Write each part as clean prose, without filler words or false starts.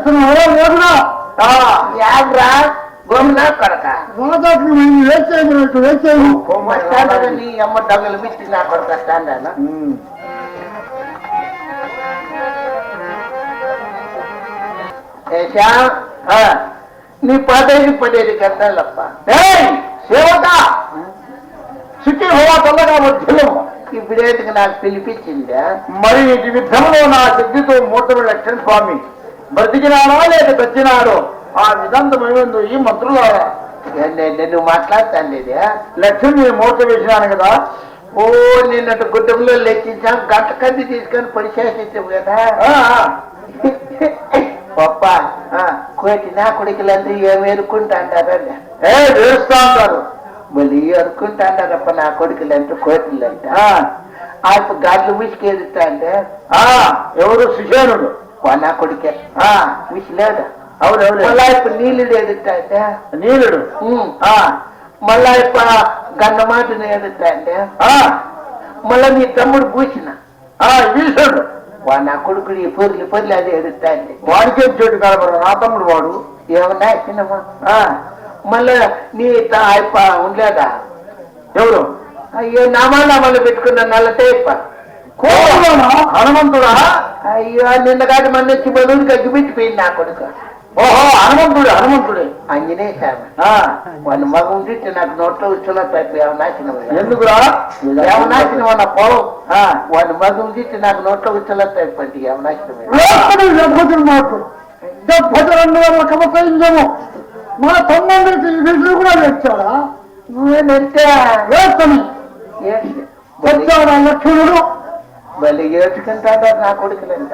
యాగ్రా గోమినా కొడక నీ అమ్మ డబ్బులు మిచ్చి నా కొడక స్టాండ్ నీ పదేది పడేది గంటలప్ప సేవక శుచి హోవా తొందరగా వచ్చేమో ఇప్పుడేటికి నాకు పిలిపించిందా మరి విధంలో నా శక్తితో 3 లక్షల స్వామి బ్రతికినాడో లేక తెచ్చినాడో ఆ విధంతమేందు ఈ మంత్రులు నేను మాట్లాడతాను లక్ష్మి మూట వేసినాను కదా. ఓ నిన్నట్టు గుడ్డంలో లెక్కించాం గంట కంది తీసుకొని పరిశేషించావు కదా పప్ప కోటి నా కొడుకులందరూ ఏమి ఎరుక్కుంటా అంటారండి వేస్తా అంటారు మళ్ళీ అనుకుంటా అంటారప్ప నా కొడుకులంటే కోటిలంట ఆయన గాడ్లు విసికేడుతా అంటే ఎవరు సుశేనుడు నా కొడుకే విసిలేడు అవునవును మళ్ళా ఇప్పుడు నీళ్ళుడు ఎడుతా అంటే నీలుడు మళ్ళా ఇప్పుడు గన్నమాటను ఎడుతా అంటే మళ్ళా నీ తమ్ముడు పూసిన వీసుడు నా కొడుకుడు ఈ పొర్లు అది ఎడుతా అంటే వాడికే చెట్టు కలపరు నా తమ్ముడు వాడు ఏమన్నా చిన్నమ్మా మళ్ళా నీ అయిప ఉండలేదా ఎవరు అయ్యో నామాలు పెట్టుకున్న నల్లటేప్ప హనుమంతుడా అయ్యో నిన్న కాదు మన వచ్చి బలుడికి అగ్గిపెట్టిపోయింది నా కొడుకు ఓహో హనుమంతుడే ఆంజనేయ స్వామి వాళ్ళ మగ ఉండి నాకు నోట్లో ఉచ్చులో నాశనం ఎందుకురా ఏమనాశనం అన్న పోవం వాళ్ళ మగ ఉండి నాకు నోట్లో ఉచ్చులో తప్పండి ఏమనాశనం మా తమ్ముడికి విసులు కూడా తెచ్చాడా నువ్వే నెట్టే వచ్చాడా లక్ష్మణుడు మళ్ళీ ఏడ్చుకుంటాడా నా కొడుకులంట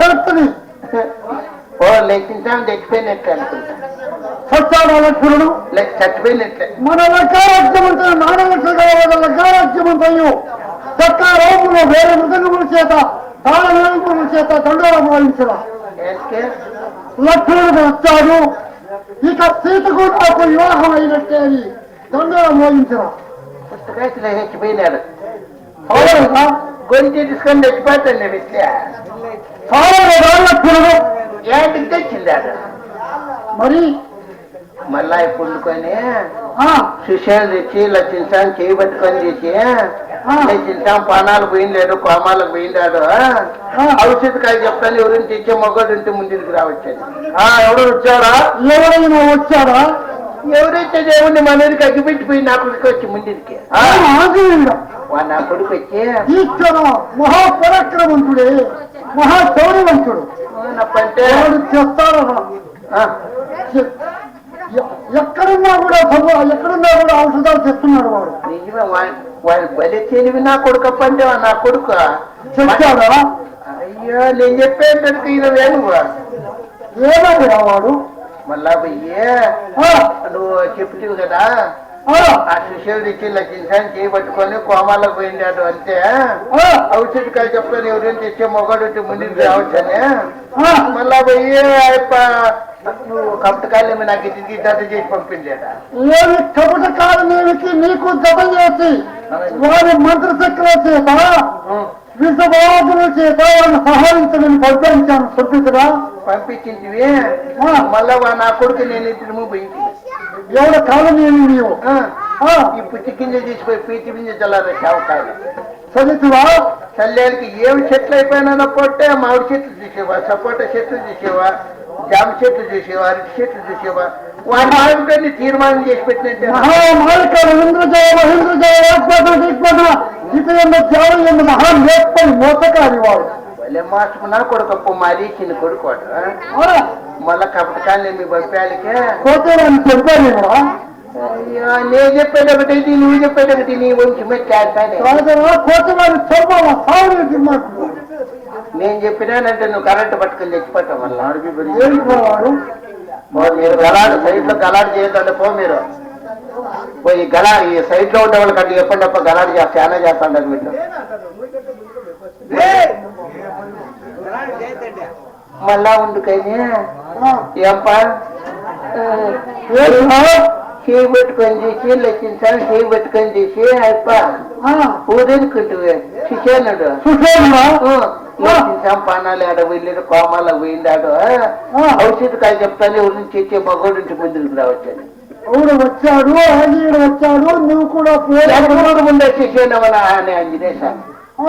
ఓ లెక్కించాం చచ్చిపోయినట్టు అనుకుంటా వచ్చాడా లక్ష్మణుడు చచ్చిపోయినట్లే మన లక్కారాజ్యమంతా లక్కారాజ్యమంతయు చక్కారోములు వేరే మృదంగముల చేత తాళవేముల చేత దండోర భావించరా లక్ష్మణుడు వచ్చాడు ఇక సీతకు నాకు వివాహం అయినట్టే అని దండోర మోగించరా పుస్తకాయలు చచ్చిపోయినాడు గొంతు తీసుకొని చచ్చిపోతాను లక్ష్మణుడు ఏంటికి తెచ్చిందాడు మరి మళ్ళా పుండుకొని సుశేలు తెచ్చి లక్షించాం చేయి పట్టుకొని చేసి లక్షించాం పానాలు పోయిండాడు కోమాలకు పోయిండాడు ఔషధకాయలు చెప్తాను ఎవరిని తెచ్చే మొగ్గడు ఉంటే ముందుకు రావచ్చని ఎవరు వచ్చారా ఎవరైనా వచ్చారా ఎవరైతే దేవుడిని మనకి అగ్గిపెట్టిపోయి నా కొడుకు వచ్చి ముందుకి నా కొడుకు వచ్చి ఈశ్వర మహాపరాక్రమంతుడే మహాశౌర్యవంతుడు అంటే చెప్తారా ఎక్కడున్నా కూడా ఔషధాలు చెప్తున్నాడు వాడు నిజమే వాడి బలి తెలివి నా కొడుకు అంటే నా కొడుకు చెప్తాడా అయ్యో నేను చెప్పేటట్టు ఇది వేణు ఏమయ్యా వాడు మళ్ళా పోయ్యే నువ్వు చెప్తావు కదా ఆ సుశీలు తెచ్చి లక్షించాన్ని చేయబట్టుకొని కోమాలకు పోయిండాడు అంటే ఔషధికాయలు చెప్తాను ఎవరైనా తెచ్చే మొగడు ముందుకు రావచ్చని మళ్ళా పోయి నువ్వు కపటకాయలు నాకు ఇది దత్త చేసి పంపించాడా ఏమి కపటకాలకి నీకు జత చేసి వారి మంత్రశక్తుల చేత విషబాధుల చేత వాడిని సహాయించమని పంపించాను సభ్యుతురా పంపించింది మళ్ళా నా కొడుకు నేను ఇద్దరు పోయింది ఎవడ కాలం ఏమి నీవు ఈ పుచ్చి గింజ తీసిపోయి పీచి గింజ చల్లారు చావకాయలు చదివివా చల్లేరికి ఏమి చెట్లు అయిపోయినా పొట్టే మామిడి చెట్లు చూసేవా సపోటా చెట్లు చూసేవా జామ చెట్లు చూసేవా అరటి చెట్లు చూసేవా వాడి మామిడిని తీర్మానం చేసి పెట్టినట్టే మోసకారి వాడు వాళ్ళే మాస్టర్ నా కొడుకప్పు మాది చిన్న కొడుకు మళ్ళా కపటకాన్ని మీ పంపాలికే పోతే నన్ను చెప్పాను అయ్యో నేను చెప్పేది ఒకటి నువ్వు చెప్పేది ఒకటి నీ వంచి నేను చెప్పినానంటే నువ్వు కరెంట్ పట్టుకొని తెచ్చిపోతాం వల్ల మీరు గలాడు సైడ్ లో గలాడు చేయొద్దంటే పో మీరు ఈ ఈ సైడ్ లో ఉండే వాళ్ళు కంటే చెప్పండి అప్ప గలాడు చాలా చేస్తాడు వీళ్ళు మళ్ళా ఉండుకని ఏంపా చేయి పెట్టుకొని చేసి లెక్కించాలి చేయి పెట్టుకొని చేసి అయిప ఊరేనుకుంటు సుశేనుడు పానాలు ఆడ వెళ్ళాడు కోమాలకు పోయిందాడు ఔషధకాయ చెప్తాను ఎవరి నుంచి వచ్చే మగోడు నుంచి ముందుకు రావచ్చని అవును వచ్చాడు ఆంజనేయుడు వచ్చాడు నువ్వు కూడా ముందు వచ్చేసేనవనా అని ఆంజనేయ స్వామి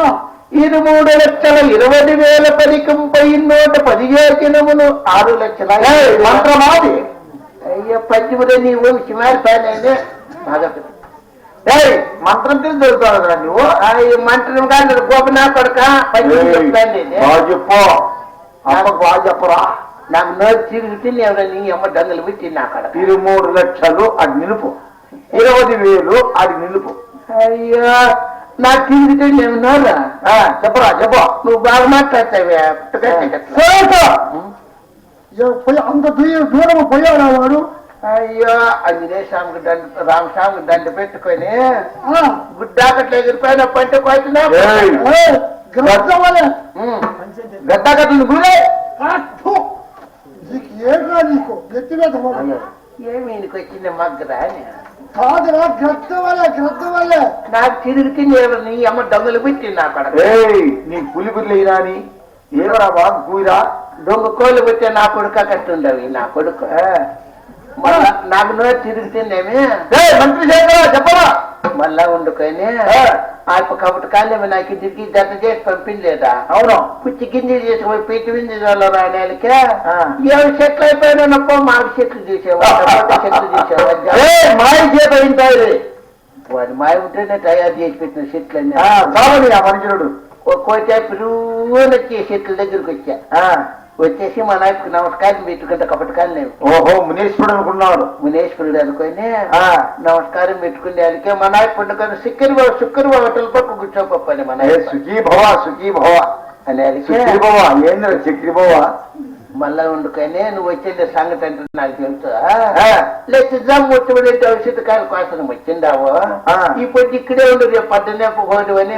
23,20,000 పదికంపై 115 దినములు 6 లక్షల మంత్రమాది అయ్యో పద్యములో నీవు సిమారిపాయనే బాగా మంత్రం తెలిసి దొరుకుతావు కదా నువ్వు మంత్రం కాదు గోపనా కొడక చెప్పు అమ్మకు బాగా చెప్పరా నాకు నోరు తిరిగితే నీ అమ్మ దంగలు పెట్టి అక్కడ 23 లక్షలు అది నిలుపు 20,000 అది నిలుపు అయ్యో నాకు తిరిగితే నేను నోరా చెప్పరా చెప్పు నువ్వు బాగా మాట్లాడతావే అంత దూరం పోయాడా వాడు అయ్యో ఆంజనేయ స్వామికి దండ రామస్వామికి దండ పెట్టుకొని గుడ్డాకట్లు ఎగిరిపోయిన పంట కోసినా గడ్డకట్లు గురే నీకు గట్టిగా ఏమి నీకు వచ్చింది మగ్గరా అని కాదురా గ్రద్ద వల్ల నాకు తిరిగితే నీ అమ్మ దొంగలు పెట్టింది అక్కడ నీ పులి పులి అయినాని ఏమరా బాగా కూరా దొంగ కోళ్ళు పెట్టే నా కొడుక కట్టుండవి నా కొడుకు నాకు నోరు తిరుగుతుందేమి మంత్రి చెప్పరా మళ్ళా వండుకొని కాబట్టి కాలేమి నాకు తిరిగి జత చేసి పంపించలేదా అవును పుచ్చి గింజలు చేసుకుపోయి పీటి వింజలు రాయడానికి ఏడు చెట్లు అయిపోయినప్ప మాకు చెట్లు చూసేవా చెట్లు చూసేవా మాయ చేత వింటాయి వాడి మాయ ఉంటేనే తయారు చేసి పెట్టిన చెట్లన్నీ చాలని ఆ మనుషుడు ఒక్కోటే పిరువునొచ్చి చెట్ల దగ్గరికి వచ్చా వచ్చేసి మా నాయకు నమస్కారం పెట్టుకుంటే కపటకాలు లేవు ఓహో మునేశ్వరుడు అనుకున్నాడు మునేశ్వరుడు అనుకొని నమస్కారం పెట్టుకునే అందుకే మా నాయకు పండుగ శుక్రవారం హోటల్ పక్క కూర్చోపని మన సుఖీ భవ అని ఏంద్ర చక్రి భవ మళ్ళా వండుకొని నువ్వు వచ్చేది సంగతి అంటే నాకు తెలుసు లేకపోతే జమ్ముట్టుబడి ఔషధకాయల కోసం వచ్చిందావు ఇప్పుడు ఇక్కడే ఉండు రేపు పద్దెనే పోదు అని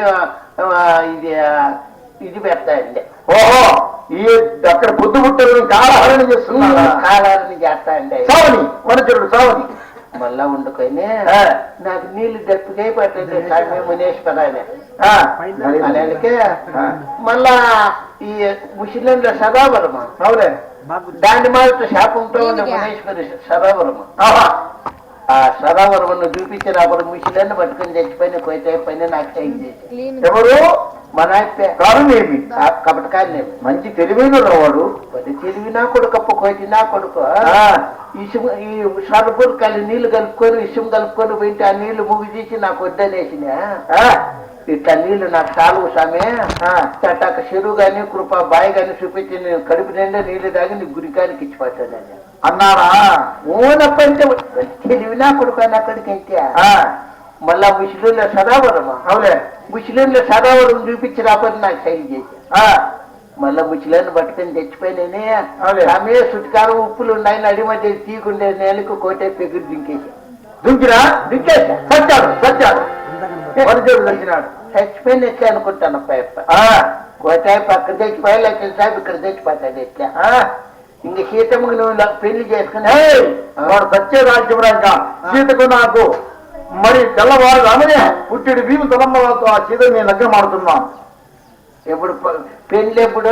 ఇది పెడతాయండి ఓహో ఈ అక్కడ పొద్దు పుట్టలు కాలహరణ చేస్తున్నా కాలహరణ చేస్తాయండి సావని వనచరుడు సావని మళ్ళా వండుకొని నాకు నీళ్లు దప్పికై పట్టండి స్వామి మునేశ్వరాన్ని అలాగే మళ్ళా ఈ ముస్లింల సదావరమ అవునే దాని మాత్రం శాపంతో ఉన్న మునేశ్వరి సదావరమ ఆ సదావరమను చూపించిన అప్పుడు ముస్లింని పట్టుకుని చచ్చిపోయిన కోయితే పైన నాకు సైన్ చేసి ఎవరు మన కారణమేమి కపటకాయలు మంచి తెలివైన వాడు తెలివి నా కొడుకు కోటి నా కొడుకు ఇసుము ఈ సరుపులు నీళ్లు కలుపుకొని ఇసుము కలుపుకొని పోయింటే ఆ నీళ్లు ముగి తీసి నాకు వద్దనేసిన ఇట్లా నీళ్లు నాకు చాలు సామే చట్టాక చెరువు గాని కృప బాయి గాని చూపించి నేను కడుపు నిండా నీళ్లు తాగి నీ గురికానికి ఇచ్చిపోతానని అన్నారా ఓనప్పంటే తెలివి నా కొడుకు అక్కడికి అయితే మళ్ళా ముస్లింల సదావరమా అవులే ముస్లింల సదావరం చూపించి రాకపోతే నాకు సైన్ చేసి మళ్ళా ముస్లింని పట్టుకొని తెచ్చిపోయినే ఆమె సుట్కారం ఉప్పులు ఉన్నాయని అడి మధ్య తీకుండే నేలకు కోటే పెగురు దింకేసి దింకేసా సచ్చాడు దంచినాడు చచ్చిపోయిన ఎట్లా అనుకుంటాను అప్ప కోటాయి పక్కన తెచ్చిపోయా లేకపోతే సాబ్ ఇక్కడ తెచ్చిపోతాడు ఎట్లా ఇంక సీతమ్మకు నువ్వు నాకు పెళ్లి చేసుకుని వాడు సత్య రాజ్యమురాక సీతకు నాకు మరి తెల్లవారు రామనే పుట్టిడు భీము తలమ్మలతో ఆ సీత నేను లగ్గం మాడుతున్నాను ఎప్పుడు పెళ్లి ఎప్పుడు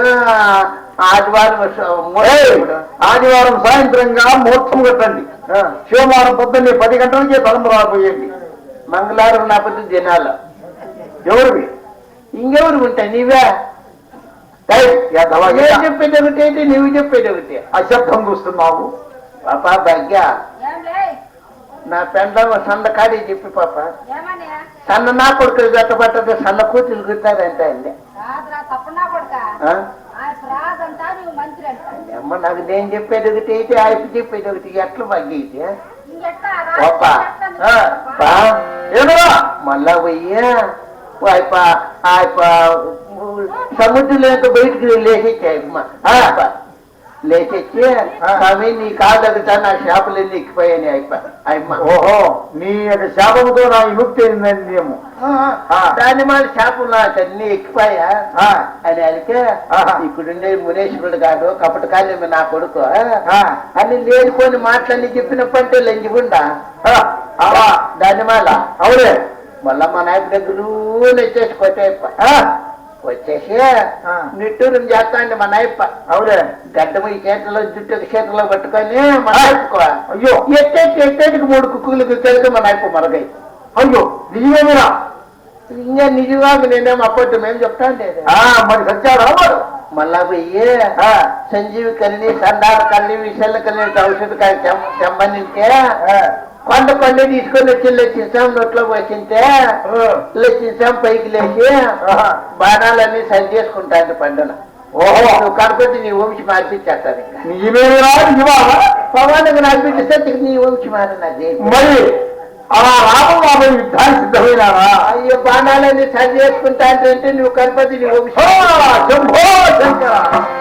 ఆదివారం సాయంత్రంగా ముహూర్తం కట్టండి సోమవారం పొద్దున్నే 10 గంటలకే తలంబ రాబోయేది మంగళవారం నా పొద్దు దినాలు ఎవరివి ఇంకెవరు ఉంటాయి నీవే చెప్పేది ఒకటి అయితే నువ్వు చెప్పేది ఒకటి అశబ్దం చూస్తున్నావు పాపా భాగ్య నా పెండ సన్న కాడి చెప్పి పాప సన్న నా కొడుకు గట్టబట్టదు సన్న కూతురు గుర్తారంటే అండి అమ్మ నాకు నేను చెప్పేది ఒకటి అయితే ఆయన చెప్పేది ఒకటి ఎట్లా భాగ్య అయితే మళ్ళా పోయి సముద్రంలో బయటికి లేచేచ్చాయమ్మ లేచెచ్చి స్వామి నీ కాలు దగ్గర నా చేపలన్నీ ఎక్కిపోయాయి అయ్యమ్మ ఓహో నీ యొక్క శాపముతో నా విముక్తి అయిందేమో దాని మన చేపలు నాకు అన్ని ఎక్కిపోయా అని అడిగితే ఇక్కడుండే మునేశ్వరుడు కాదు కపటకాలి నా కొడుకు అని లేనిపోని మాటలన్నీ చెప్పినప్పంటే లంజిగుండా దాని మళ్ళా అవునే మళ్ళా మా నాయకు దగ్గర నెచ్చేసి కొట్టే వచ్చేసి ఆ. నిట్టూరం చేస్తాండి మా నాయప్ప అవులే గడ్డము ఈ చేతిలో జుట్టు చేతిలో పట్టుకొని మా నాయప్ప అయ్యో ఎట్టేటికి 3 కుక్కులు గుర్తెళ్తే మా నాయప్ప మరగై అయ్యో నిజమేమిరా ఇంకా నిజంగా నేనేమో అప్పటి మేము చెప్తాండి మరి సత్యాడా వాడు మళ్ళా పోయి సంజీవి కలిని సందార కలిని విషయాల కలిని ఔషధ తెమ్మనింటే కొండ తీసుకొని వచ్చి లెచ్చించాం నోట్లో పోసింటే లెచ్చించాం పైకి లేచి బాణాలన్నీ సరి చేసుకుంటాను పండుగ ఓహో నువ్వు కనుకొచ్చి నీ వంశీ మార్పించేస్తాను ఇంకా నిజమేమిరా నిజమా పవన్కి మార్పించేస్తే నీ వంశీ మారినది మరి అలా రామబాబు యుద్ధానికి సిద్ధమైనారా అయ్యో బాణాలన్నీ సరి చేసుకుంటా అంటే నువ్వు కనపతి నీ వంశీ శంభో శంకర